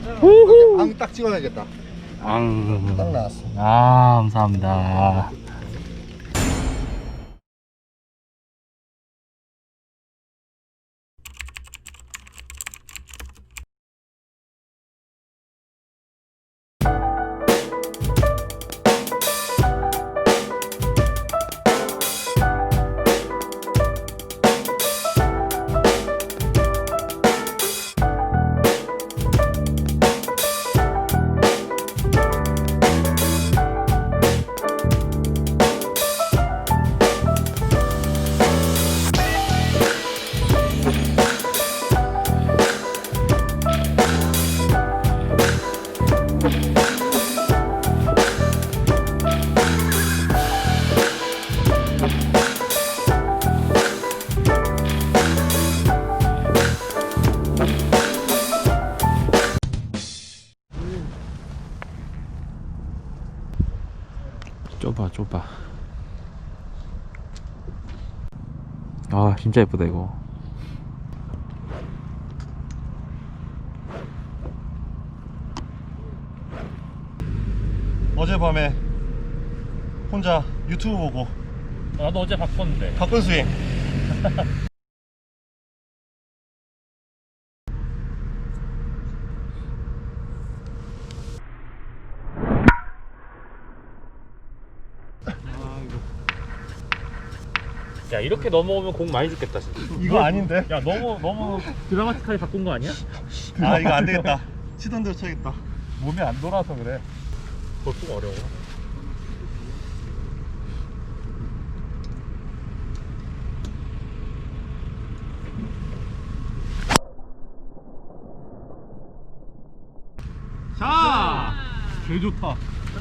앙 딱 찍어야겠다. 딱 나왔어. 아, 감사합니다. 좁아. 아, 진짜 예쁘다 이거. 어젯밤에 혼자 유튜브 보고 나도 어제 바꿨는데. 바꾼 스윙. 야, 이렇게 넘어오면 공 많이 죽겠다 진짜. 이거 아닌데? 야, 너무 드라마틱하게 바꾼 거 아니야? 아 이거 안 되겠다. 치던 대로 쳐야겠다. 몸이 안 돌아서 그래. 벌써 어려워. 자, 개 좋다.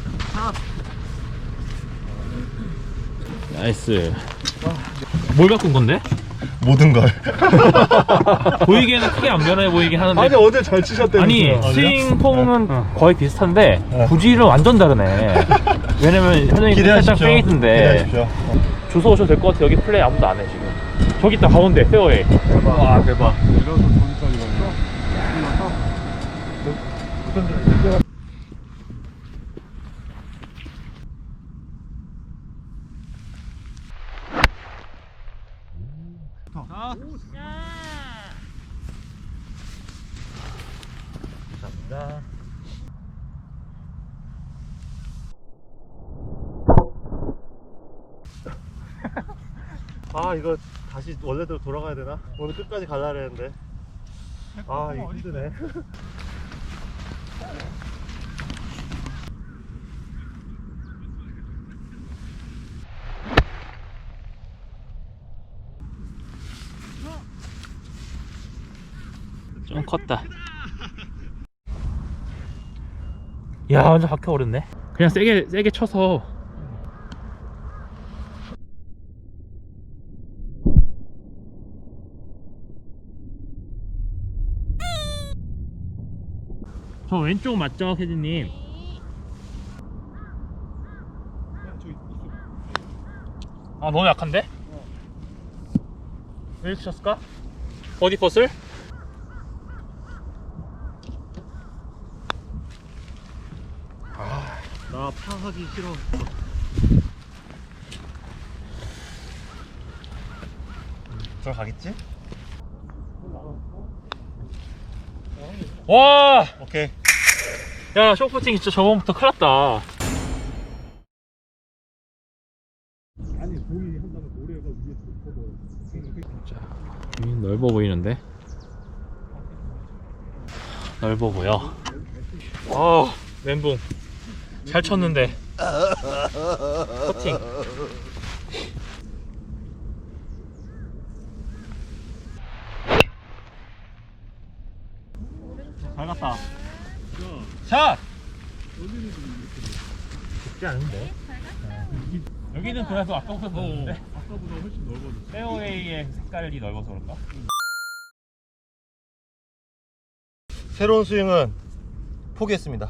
나이스. 뭘 바꾼 건데? 모든 걸. 보이기에는 크게 안 변해 보이긴 하는데. 아니 어제 잘 치셨대요. 아니, 스윙 폼은 거의 비슷한데 구질은 완전 다르네. 왜냐면 현영이 살짝 페이드인데. 주워 오셔도 될 것 같아. 여기 플레이 아무도 안 해 지금. 저기 있다 가운데 페어웨이. 와 대박. 이래서 저기까지 가요. 감사합니다. 아 이거 다시 원래대로 돌아가야 되나? 오늘 끝까지 갈라 그랬는데. 아 이거 힘드네. 좀 컸다. 야, 완전 박혀 오르네. 그냥 세게 쳐서. 저 왼쪽 맞죠, 캐디님? 아, 너무 약한데? 왜 이렇게 쳤을까? 어디 퍼슬? 나 파하기 싫어. 들어가겠지? 와! 오케이. 야, 쇼프팅 진짜 저번부터 큰일 났다. 아니 공이 한 다음에 모래가 위에 덮어서. 자, 넓어 보이는데? 넓어 보여. 멘붕. 잘 쳤는데. 커팅. 잘 갔다. 샷! 쉽지 않은데? 여기는 그래도 아까보다 넓은데? 아까보다 훨씬 넓어졌어. 페어웨이의 색깔이 넓어서 그런가? 새로운 스윙은 포기했습니다.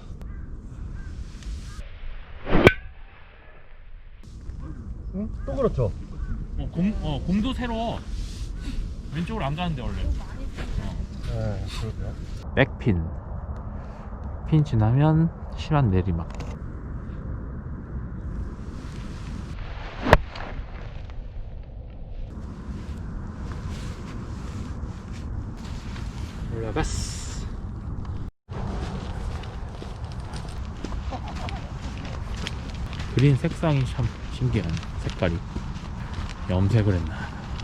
응? 또 그렇죠? 곰도 새로 왼쪽으로 안 가는데 원래. 네, 그러게요. 백핀 핀 지나면 심한 내리막. 올라갔어. 그린 색상이 참 신기하네. 색깔이 염색을 했나.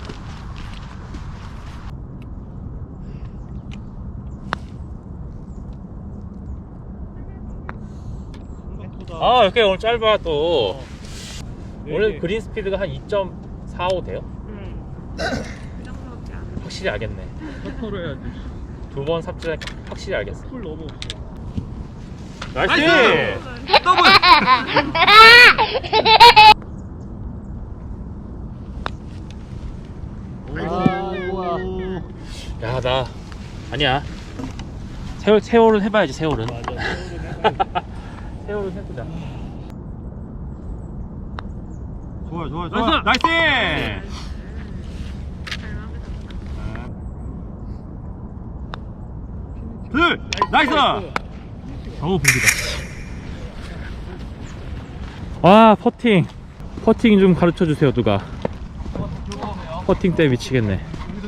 아 이렇게 오늘 짧아 또. 원래 그린 스피드가 한 2.45 돼요? 그 정도밖에 안 돼. 확실히 알겠네. 터를 해야지. 두 번 삽질하니까 확실히 알겠어. 풀 너무 없어. 나이스! 더블! 야, 나 아니야. 세월은 해봐야지. 세월은. 세월은 해보자. 좋아, 좋아, 좋아. 나이스! 잘 마음에 든다. 둘! 나이스! 어우, 분기다. 아, 퍼팅 좀 가르쳐 주세요, 누가. 퍼팅 때 미치겠네.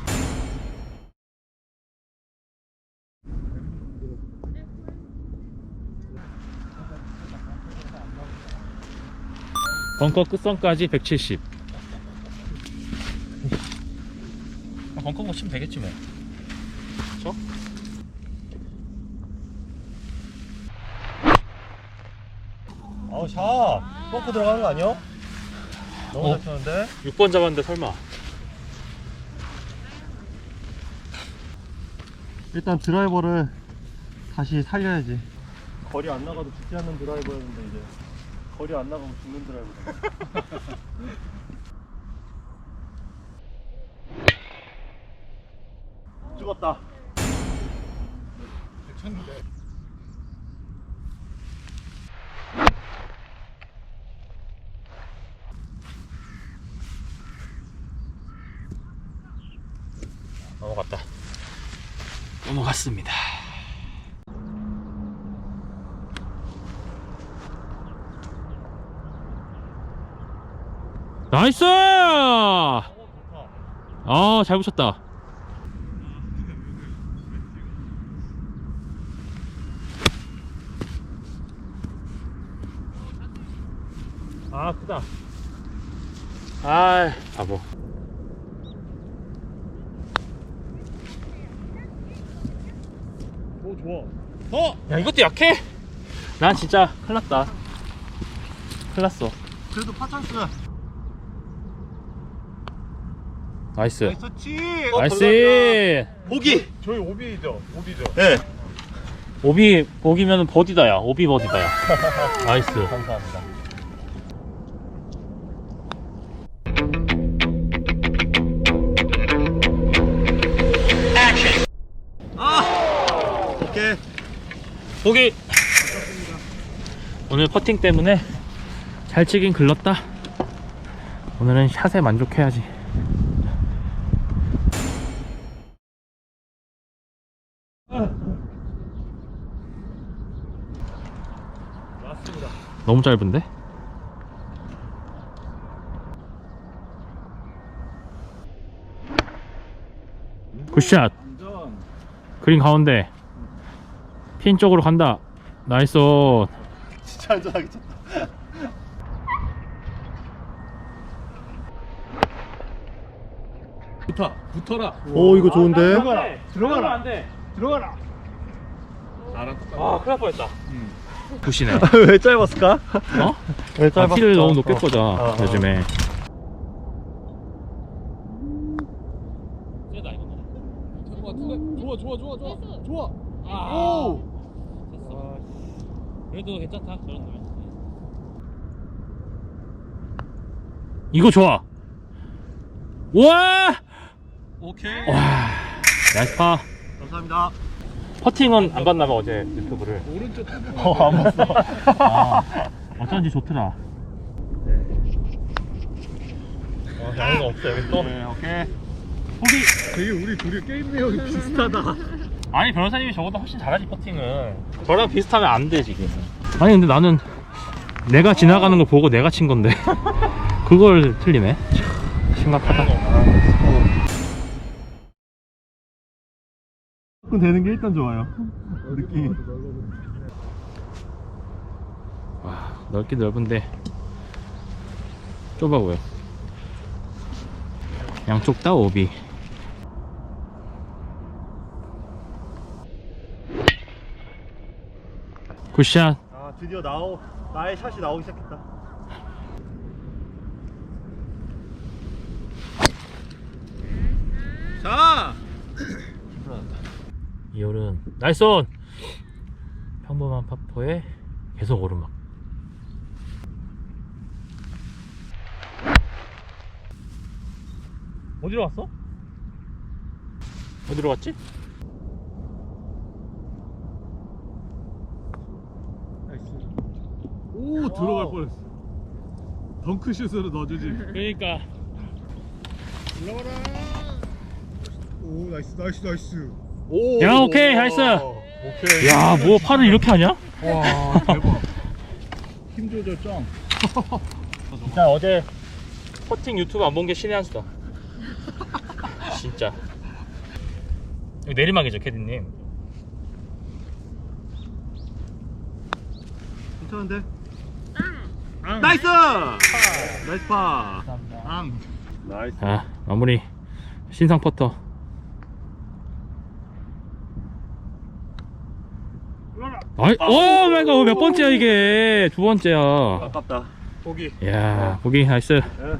벙커 끝선까지 170. 벙커 거 치면 되겠지 뭐. 그쵸? 아우 샷 펑크 들어가는 거 아니야? 너무 잘 쳤는데? 6번 잡았는데 설마. 일단 드라이버를 다시 살려야지. 거리 안 나가도 죽지 않는 드라이버였는데 이제 거리 안 나가면 죽는 드라이버. 죽었다. 넘어갔다. 넘어갔습니다. 나이스! 아, 잘 붙였다. 아, 크다. 아, 바보. 오, 좋아. 야, 이것도 약해? 난 진짜 큰일 났다. 큰일 났어. 그래도 파찬스. 나이스. 나이스치! 나이스. 보기. 저희 오비죠? 오비죠? 네. 오비 보기면 버디다야. 오비 버디다야. 나이스. 감사합니다. 오케이. 보기. 오늘 퍼팅 때문에 잘 치긴 글렀다. 오늘은 샷에 만족해야지. 맞습니다. 너무 짧은데? 굿샷. 완전. 그린 가운데 핀 쪽으로 간다. 나이스. 진짜 안전하게 쳤다. 붙어라. 오 이거 좋은데? 들어가라. 안 돼. 들어가라. 나랑 똑같아. 아, 큰일 날 뻔했다. 굿이네. 왜 짧았을까? 어? 왜 아, 짧았을까? 티를 너무 높게 꽂아 어. 요즘에. 좋아. 오! 그래도 괜찮다. 저런 놈이. 이거 좋아. 와! 오케이. 와. 나이스 파. 감사합니다. 퍼팅은 안 봤나 봐 어제 유튜브를. 오른쪽 안 봤어. 아, 어쩐지 좋더라. 양이가 없어 여기 또. 네, 오케이. 포기. 되게 우리 둘이 게임 내용이 비슷하다. 아니 변호사님이 저보다 훨씬 잘하지 퍼팅을. 저랑 비슷하면 안 돼 지금. 아니 근데 나는 내가 지나가는 거 보고 내가 친 건데 그걸 틀리네. 참, 심각하다. 되는 게 일단 좋아요. 느낌이. 와, 넓긴 넓은데 좁아 보여. 양쪽 다 오비. 굿샷. 아 드디어 나의 샷이 나오기 시작했다. 자. 이홀은 나이스 온. 평범한 파포에 계속 오르막. 어디로 갔어? 어디로 갔지? 오 들어갈 뻔했어. 덩크슛으로 넣어주지. 그러니까 오 나이스 오. 야, 오케이, 나이스. 오케이. 야, 뭐 팔을 이렇게 하냐? 와 대박. 힘 조절 짱. 진짜 어제 퍼팅 유튜브 안 본 게 신의 한 수다. 진짜. 여기 내리막이죠, 캐디님. 괜찮은데? 나이스. 나이스 파. 나이스. 아, 마무리. 신상 퍼터. 오 마이 갓, 몇 번째야 이게? 두 번째야. 아깝다. 보기. 야, 보기 나이스. 예.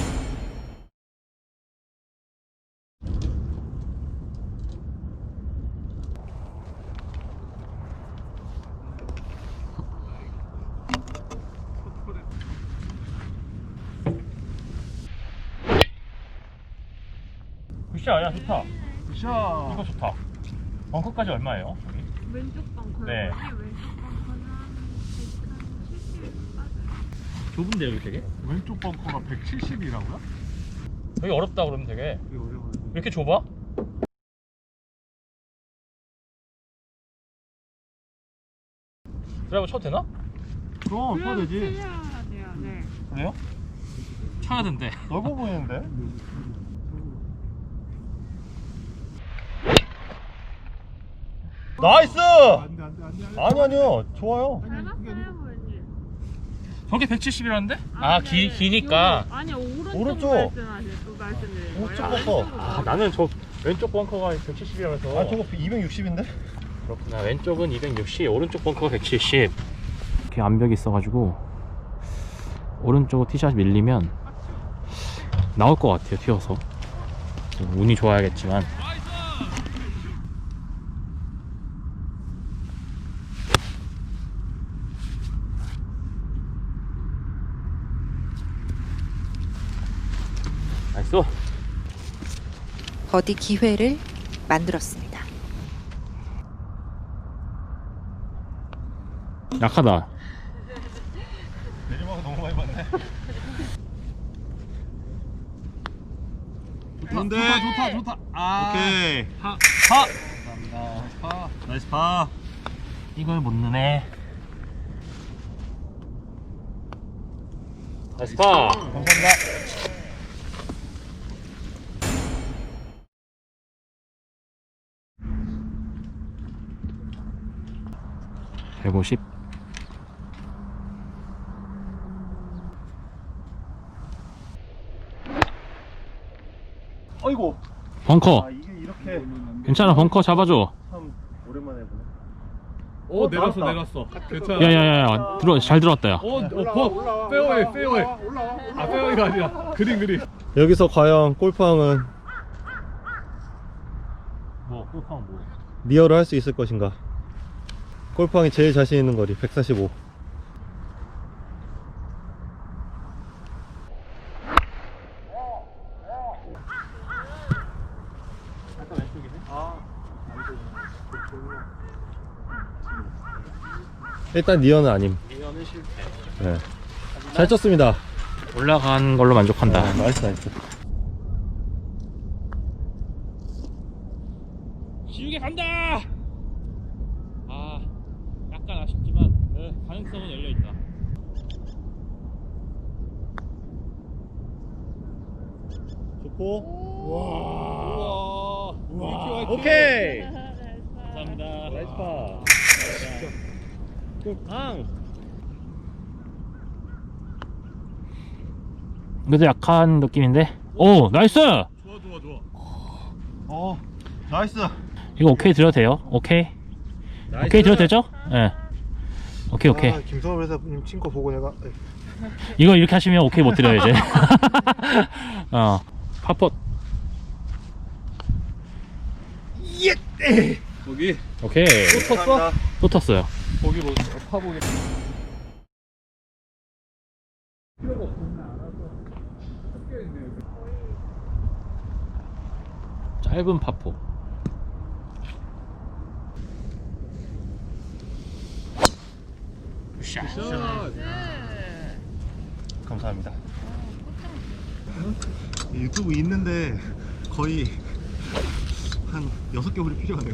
굿샷, 야 좋다. 굿샷. 이거 좋다. 벙커까지 얼마예요? 여기? 왼쪽 벙커. 네. 왼쪽 벙커는 170 빠져요. 좁은데 여기 되게? 왼쪽 벙커가 170이라고요? 여기 어렵다 그러면 되게. 이게 어려워요. 왜 이렇게 좁아? 드라이버 쳐도 되나? 그럼 쳐도 되지. 해야 돼요. 네. 그래요? 쳐야 된대. 넓어 보이는데? 나이스! 안돼 아니요. 좋아요. 잘 봤어요, 부모님. 저게 170이라는데? 아, 기니까. 아니 오른쪽 오른쪽. 말씀드린 거예요. 오른쪽 벙커. 아, 나는 저 왼쪽 벙커가 170이라면서. 아 저거 260인데? 그렇구나. 왼쪽은 260, 오른쪽 벙커가 170. 이렇게 암벽이 있어가지고 오른쪽 티샷 밀리면 나올 것 같아요. 튀어서. 운이 좋아야겠지만. 나이스. 버디 기회를 만들었습니다. 약하다. 내리막을 너무 많이 봤네. 좋다. 아. 오케이. 파. 감사합니다. 파. 나이스 파. 이걸 못 넣네. 나이스 파. 감사합니다. 150. 아이고. 벙커. 아 이게 이렇게 괜찮아, 벙커 잡아줘. 참 오랜만에 보네. 오 나왔다. 내렸어. 괜찮아. 야야야야, 잘 들어왔다 야. 페어웨이. 아 페어웨이가 아니라 그린. 여기서 과연 골프왕은 뭐, 골프하면 뭐. 리어를 할 수 있을 것인가? 골프왕이 제일 자신 있는 거리 145. 일단 니어는 아님. 이거는 실패. 네. 잘 쳤습니다. 올라간 걸로 만족한다. 나이스. 슛! 길게 간다. 아, 약간 아쉽지만 가능성은 열려 있다. 좋고. 우와. 오케이. 감사합니다. 나이스 파. 그래도 약한 느낌인데. 오, 나이스. 좋아 좋아. 나이스. 이거 오케이 드려도 돼요? 오케이. 오케이 드려도 되죠? 예. 네. 오케이 오케이. 김성호 회사님 친거 보고 내가. 이거 이렇게 하시면 오케이 못 드려요 이제. 파폿. 거기 오케이. 감사합니다. 또 텄어요. 거기 뭐 파보기. 짧은 파포. 샷. 감사합니다. 유튜브 있는데 거의 한 6개월이 필요하네요.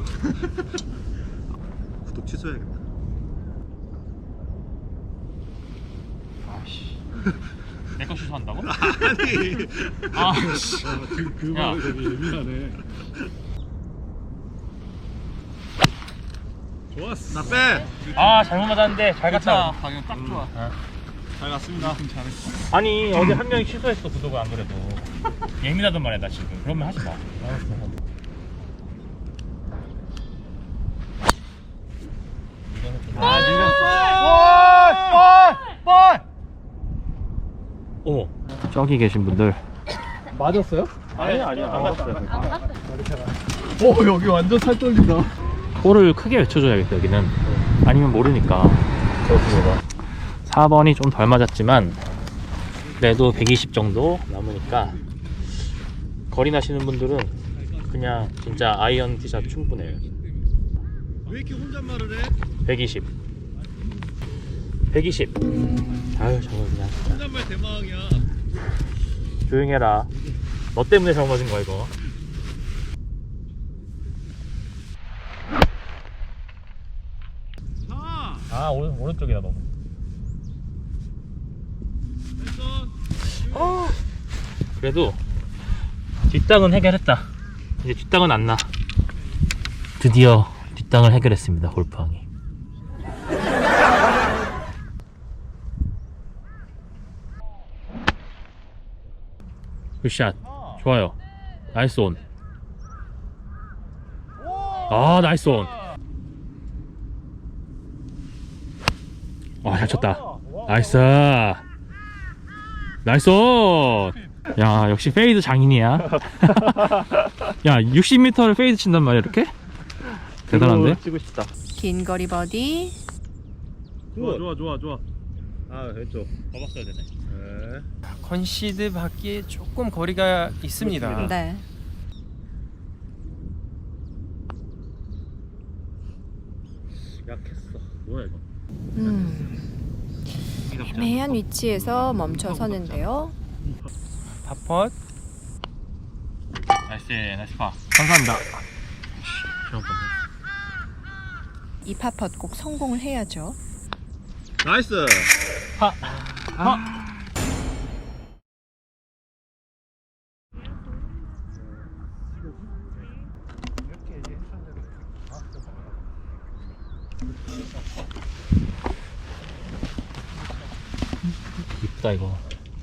구독 취소해야겠다. 아씨. 내거 취소한다고? 아니. 아씨. 그 야. 말이 되게 예민하네. 좋았어. 나 빼. 아 잘못 맞았는데 잘 갔다. 방향 딱 좋아. 잘 갔습니다. 잘했어. 아니 어제 한 명이 취소했어 구독을 안 그래도. 예민하단 말이야 나 지금. 그러면 하지 마. 아, 밀렸어. 볼! 어머. 저기 계신 분들. 맞았어요? 아니야, 안 갔어요. 여기 완전 살 떨린다. 볼을 크게 외쳐줘야겠다 여기는. 아니면 모르니까. 그렇습니다. 4번이 좀 덜 맞았지만 그래도 120 정도 남으니까 거리 나시는 분들은 그냥 진짜 아이언 티샷 충분해요. 왜 이렇게 혼잣말을 해? 120 아유 저거 그냥 진짜 혼잣말 대망이야. 조용히 해라. 너 때문에 잘못 맞은 거야 이거. 아 오른쪽이다 너무. 그래도 뒷땅은 해결했다. 이제 뒷땅은 안 나. 드디어 뒷땅을 해결했습니다 골프왕이. 굿샷. 좋아요. 나이스 온. 아 나이스 온. 와 잘 쳤다. 나이스. 나이스 온. 야 역시 페이드 장인이야. 야 60m를 페이드 친단 말이야 이렇게? 대단한데? 찍고 싶다. 긴 거리 버디. 좋아. 아, 왼쪽. 더 봤어야 되네. 네. 컨시드 받기에 조금 거리가 있습니다. 네. 약했어. 뭐야 이거? 애매한 위치에서 멈춰 서는데요. 파펫. 나이스 파. 감사합니다. 이 파펫 꼭 성공을 해야죠. 나이스. 이쁘다 이거.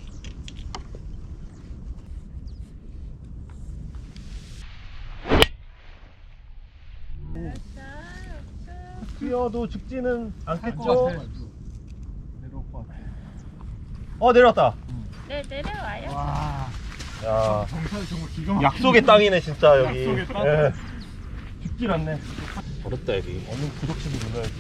뛰어도 죽지는 않겠죠? 내려올 것 같아. 내려왔다. 네, 내려와요. 야, 정말 기가 막히네. 약속의 땅이네 진짜 여기. 약속의 땅. 예. 죽질 않네. 어렵다 여기. 얼른 구독치기 눌러야지.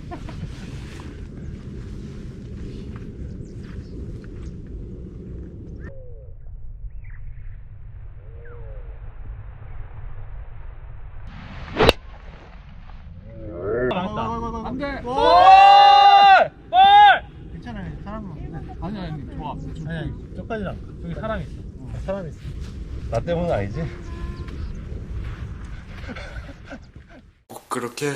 안 돼. 볼! 괜찮아요. 사람은. 아니 좋아. 아니, 저까지는 안 가. 저기 사람 있어. 사람이 있어. 나 때문은 아니지? 그렇게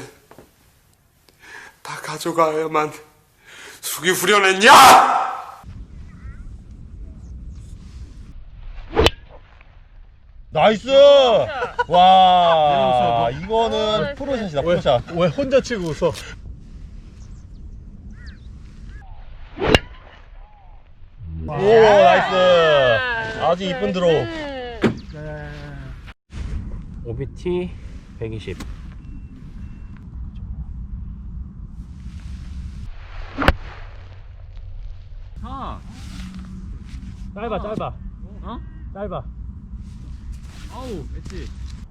다 가져가야만 숙이 후련했냐? 나이스! 와, 이거는 프로샷이다, 프로샷. 왜 혼자 치고 웃어? 오, 나이스! 아주 이쁜 드로우. OBT 120. 짧아. 짧아. 아우, 엣지.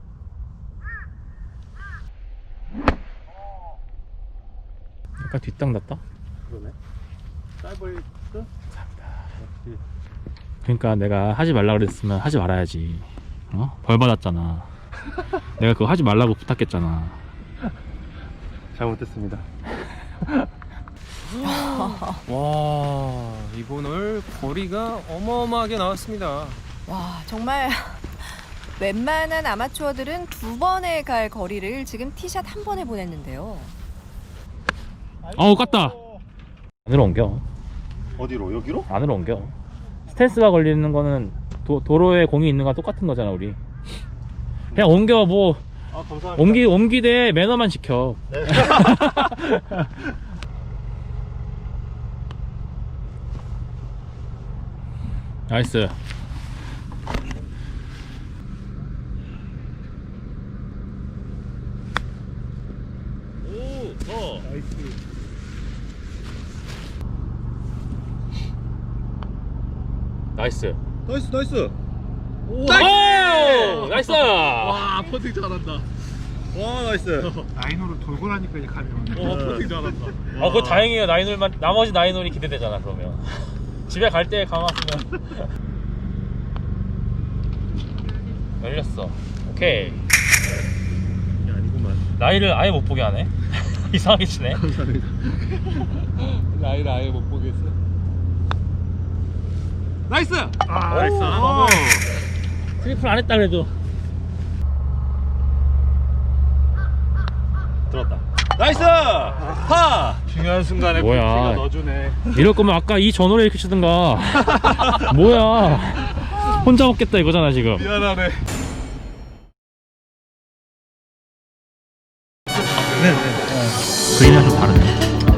약간 뒷땅 났다. 그러네. 짧을 듯? 그러니까 내가 하지 말라 그랬으면 하지 말아야지. 벌 받았잖아. 내가 그거 하지 말라고 부탁했잖아. 잘못했습니다. 와, 이번 홀 거리가 어마어마하게 나왔습니다. 와, 정말 웬만한 아마추어들은 2번에 갈 거리를 지금 티샷 1번에 보냈는데요. 어우, 깠다. 안으로 옮겨. 어디로? 여기로? 안으로 옮겨. 스탠스가 걸리는 거는 도로에 공이 있는 거랑 똑같은 거잖아, 우리. 그냥 옮겨. 뭐 아, 감사합니다. 옮기되 매너만 지켜. 네. 나이스. 나이스. 나이스, 나이스! 오, 나이스. 와, 퍼팅 잘한다. 와, 나이스! 라인으로 돌고 나니까 이제 감이 오네. 퍼팅 잘한다. 그거 다행이에요. 나인홀만 나머지 나인홀이 기대되잖아. 그러면 집에 갈 때 강화하면 열렸어. 오케이. 이게 아니구만. 나이를 아예 못 보게 하네. 이상하게 치네. 나이를 아예 못 보겠어. 나이스! 아, 나이스! 트리플 안 했다 그래도. 들었다. 나이스! 파! 중요한 순간에 뭐야. 퍼팅가 넣어주네. 이럴 거면 아까 이 전홀에 이렇게 치든가. 뭐야. 혼자 먹겠다 이거잖아 지금. 미안하네. 그림이랑 좀 다르네.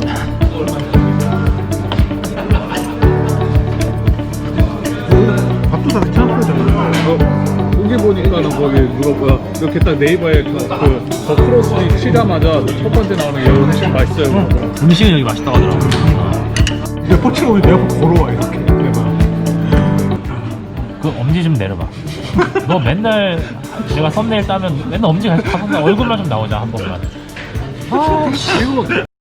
밥도 다 괜찮았잖아. 거기 보니까는 거기 누가 뭐야 이렇게 딱 네이버에 저 크로스틱 치자마자 첫 번째 나오는 게 음식 맛있어요. 음식은 여기 맛있다고 하더라고. 이제 포치가 오면 내 앞으로 걸어와 이렇게. 그 엄지 좀 내려봐. 너 맨날 내가 썸네일 따면 맨날 엄지 계속 하고 얼굴만 좀 나오자 한 번만. 아, 씨.